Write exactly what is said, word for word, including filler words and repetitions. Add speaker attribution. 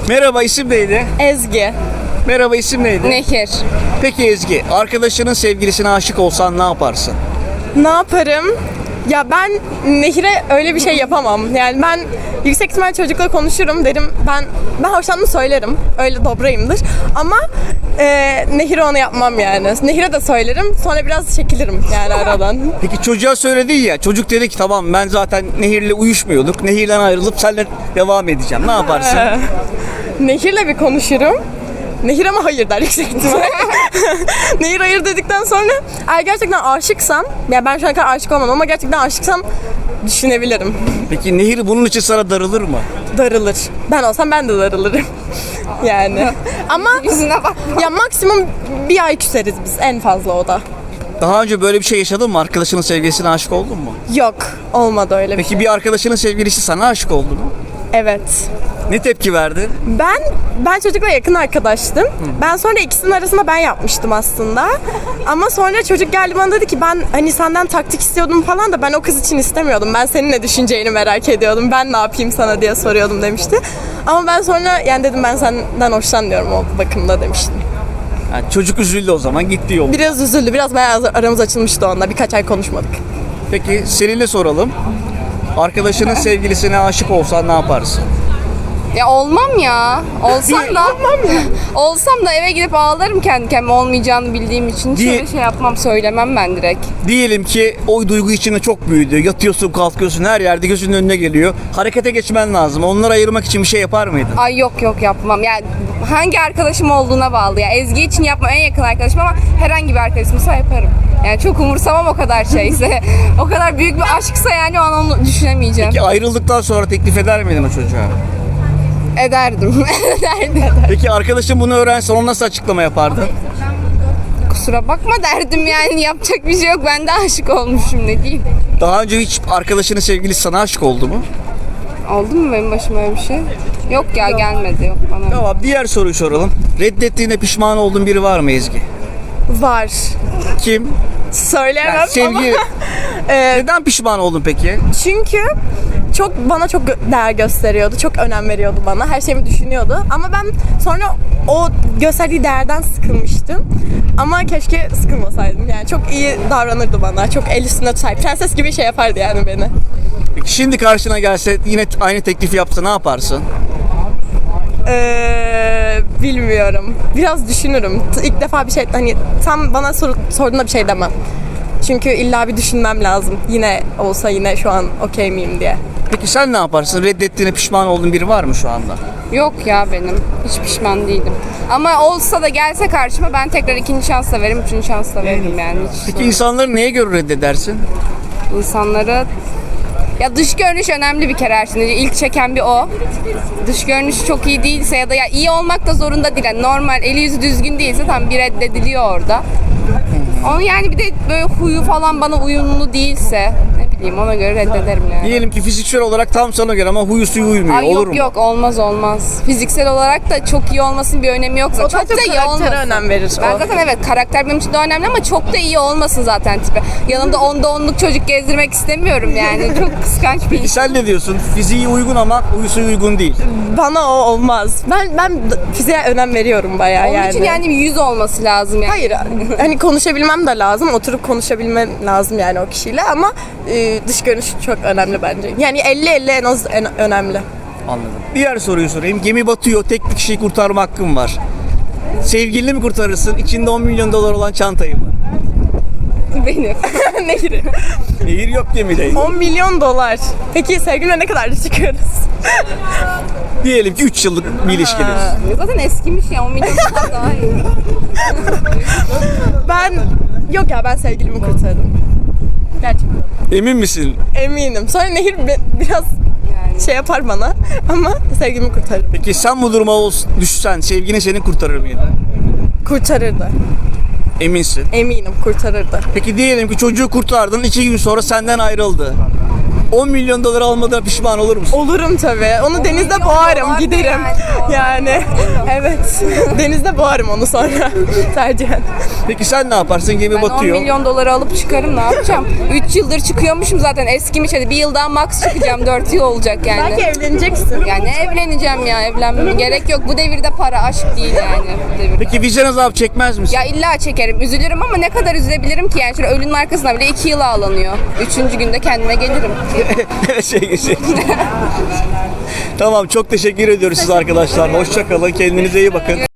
Speaker 1: Merhaba, isim neydi?
Speaker 2: Ezgi.
Speaker 1: Merhaba, isim neydi?
Speaker 2: Nehir.
Speaker 1: Peki Ezgi, arkadaşının sevgilisine aşık olsan ne yaparsın?
Speaker 2: Ne yaparım? Ya ben Nehir'e öyle bir şey yapamam. Yani ben yüksek ihtimal çocukla konuşurum derim. Ben ben hoşlandığımı söylerim. Öyle dobrayımdır. Ama e, Nehir'e onu yapmam yani. Nehir'e de söylerim. Sonra biraz çekilirim yani aradan.
Speaker 1: Peki çocuğa söyledin ya, çocuk dedi ki tamam ben zaten Nehir'le uyuşmuyorduk. Nehir'den ayrılıp seninle devam edeceğim. Ne yaparsın?
Speaker 2: Nehir'le bir konuşurum. Nehir ama hayır der yüksek ihtimal. Nehir hayır dedikten sonra eğer gerçekten aşıksam, ya ben şu ana kadar aşık olmadım ama gerçekten aşıksam düşünebilirim.
Speaker 1: Peki Nehir bunun için sana darılır mı?
Speaker 2: Darılır. Ben olsam ben de darılırım. Yani. Ama
Speaker 3: Yüzüne bak.
Speaker 2: ya maksimum bir ay küseriz biz, en fazla o da.
Speaker 1: Daha önce böyle bir şey yaşadın mı? Arkadaşının sevgilisine aşık oldun mu?
Speaker 2: Yok, olmadı öyle bir
Speaker 1: Peki
Speaker 2: şey.
Speaker 1: bir arkadaşının sevgilisi sana aşık oldu mu?
Speaker 2: Evet.
Speaker 1: Ne tepki verdin?
Speaker 2: Ben ben çocukla yakın arkadaştım. Ben sonra ikisinin arasında ben yapmıştım aslında. Ama sonra çocuk geldi bana dedi ki ben hani senden taktik istiyordum falan da ben o kız için istemiyordum. Ben senin ne düşüneceğini merak ediyordum. Ben ne yapayım sana diye soruyordum demişti. Ama ben sonra yani dedim ben senden hoşlanmıyorum o bakımda demiştim.
Speaker 1: Yani çocuk üzüldü o zaman, gitti yol.
Speaker 2: Biraz üzüldü. Biraz bayağı aramız açılmıştı onunla. Birkaç ay konuşmadık.
Speaker 1: Peki seninle soralım. Arkadaşının sevgilisine aşık olsan ne yaparsın?
Speaker 3: Ya olmam ya. Olsam da olsam da eve gidip ağlarım kendi kendime olmayacağını bildiğim için. Hiç
Speaker 1: Diye-
Speaker 3: öyle şey yapmam, söylemem ben direkt.
Speaker 1: Diyelim ki o duygu içinde çok büyüdü. Yatıyorsun, kalkıyorsun, her yerde gözünün önüne geliyor. Harekete geçmen lazım. Onları ayırmak için bir şey yapar mıydın?
Speaker 3: Ay yok yok yapmam. Yani hangi arkadaşım olduğuna bağlı. Ya Ezgi için yapmam, en yakın arkadaşım, ama herhangi bir arkadaşımsa yaparım. Yani çok umursamam o kadar şeyse. O kadar büyük bir aşksa yani o an onu düşünemeyeceğim.
Speaker 1: Ki ayrıldıktan sonra teklif eder miydin o çocuğa?
Speaker 3: Ederdim. Ederdim.
Speaker 1: Peki arkadaşın bunu öğrense ona nasıl açıklama yapardın?
Speaker 3: Kusura bakma derdim yani, yapacak bir şey yok. Ben de aşık olmuşum, ne diyeyim.
Speaker 1: Daha önce hiç arkadaşının sevgilisi sana aşık oldu mu?
Speaker 3: Oldu mu benim başıma öyle bir şey? Yok ya, gelmedi, yok bana.
Speaker 1: Tamam, diğer soruyu soralım. Reddettiğine pişman olduğun biri var mı Ezgi?
Speaker 2: Var.
Speaker 1: Kim?
Speaker 2: Söyleyemem
Speaker 1: Yani sevgi...
Speaker 2: ama. e,
Speaker 1: Neden pişman oldun peki?
Speaker 2: çünkü çok bana çok gö- değer gösteriyordu. Çok önem veriyordu bana. Her şeyimi düşünüyordu. Ama ben sonra o gösterdiği değerden sıkılmıştım. Ama keşke sıkılmasaydım. Yani çok iyi davranırdı bana. Çok el üstünde tutar. Prenses gibi şey yapardı yani beni.
Speaker 1: Peki şimdi karşına gelse yine aynı teklifi yapsa ne yaparsın?
Speaker 2: Ee, bilmiyorum. Biraz düşünürüm. T- İlk defa bir şey hani tam bana sor, sorduğunda bir şey demem. Çünkü illa bir düşünmem lazım. Yine olsa yine şu an okey miyim diye.
Speaker 1: Peki sen ne yaparsın? Reddettiğine pişman olduğun biri var mı şu anda?
Speaker 3: Yok ya, benim hiç pişman değilim. Ama olsa da gelse karşıma ben tekrar ikinci şans da veririm, üçüncü şans da veririm yani. Hiç
Speaker 1: Peki insanları neye göre reddedersin?
Speaker 3: insanları... Ya dış görünüş önemli bir kere her şeyden önce. İlk çeken bir o. Dış görünüş çok iyi değilse ya da ya iyi olmak da zorunda değil. Yani normal, eli yüzü düzgün değilse tam bir reddediliyor orada. Onu yani bir de böyle huyu falan bana uyumlu değilse ne bileyim, ona göre reddederim yani.
Speaker 1: Diyelim ki fiziksel olarak tam sana göre ama huyu suyu uymuyor.
Speaker 3: Ay
Speaker 1: Olur
Speaker 3: yok
Speaker 1: mu?
Speaker 3: yok, olmaz olmaz. Fiziksel olarak da çok iyi olmasının bir önemi yok zaten.
Speaker 2: O daha
Speaker 3: Çok da
Speaker 2: çok
Speaker 3: iyi
Speaker 2: karaktere
Speaker 3: olmasın.
Speaker 2: önem verir
Speaker 3: Ben
Speaker 2: o.
Speaker 3: zaten evet, karakter benim için de önemli ama çok da iyi olmasın zaten tipi. Yanımda onda onluk çocuk gezdirmek istemiyorum yani. Çok kıskanç bir
Speaker 1: Peki
Speaker 3: iş.
Speaker 1: sen ne diyorsun? Fiziği uygun ama huyu suyu uygun değil.
Speaker 2: Bana o olmaz. Ben ben d- fiziğe önem veriyorum bayağı
Speaker 3: Onun
Speaker 2: yani.
Speaker 3: için yani bir yüz olması lazım yani.
Speaker 2: Hayır, hani konuşabilmem de lazım, oturup konuşabilmem lazım yani o kişiyle ama e, dış görünüş çok önemli bence. Yani elli elli en az en önemli.
Speaker 1: Anladım. Diğer soruyu sorayım. Gemi batıyor, tek bir kişiyi kurtarma hakkın var. Sevgilini mi kurtarırsın, içinde on milyon dolar olan çantayı mı?
Speaker 3: Benim.
Speaker 2: Nehir.
Speaker 1: Nehir yok gemide.
Speaker 2: on milyon dolar. Peki sevgilimle ne kadar çıkıyoruz?
Speaker 1: Diyelim ki üç yıllık bir ilişkiniz.
Speaker 3: Zaten eskimiş ya, on milyon dolar daha iyi.
Speaker 2: Ben, yok ya ben sevgilimi kurtardım. Gerçekten.
Speaker 1: Emin misin?
Speaker 2: Eminim. Sonra Nehir be- biraz şey yapar bana ama sevgilimi kurtarırım.
Speaker 1: Peki sen bu duruma ol- düşsen sevgilin seni kurtarır mıydı?
Speaker 2: Kurtarırdı.
Speaker 1: Eminsin.
Speaker 2: Eminim kurtarırdı.
Speaker 1: Peki diyelim ki çocuğu kurtardın, iki gün sonra senden ayrıldı. on milyon dolar almadan pişman olur musun?
Speaker 2: Olurum tabii. Onu denizde boğarım,
Speaker 3: dolar da
Speaker 2: giderim. Yani evet. Denizde boğarım onu sonra tercihen.
Speaker 1: Peki sen ne yaparsın? Gemi
Speaker 3: Ben on
Speaker 1: batıyor.
Speaker 3: milyon doları alıp çıkarım, ne yapacağım? üç yıldır çıkıyormuşum zaten, eskimiş, hadi bir yıl daha max çıkacağım, dört yıl olacak yani.
Speaker 2: Belki evleneceksin.
Speaker 3: Yani evleneceğim ya, evlenmem gerek yok. Bu devirde para aşk değil yani bu devirde.
Speaker 1: Peki vicdan azabı çekmez misin?
Speaker 3: Ya illa çekerim, üzülürüm ama ne kadar üzebilirim ki yani, şöyle ölünün arkasına bile iki yıl ağlanıyor. Üçüncü günde kendime gelirim.
Speaker 1: şey, şey. Tamam, çok teşekkür ediyoruz siz arkadaşlar. Hoşça kalın. Kendinize iyi bakın.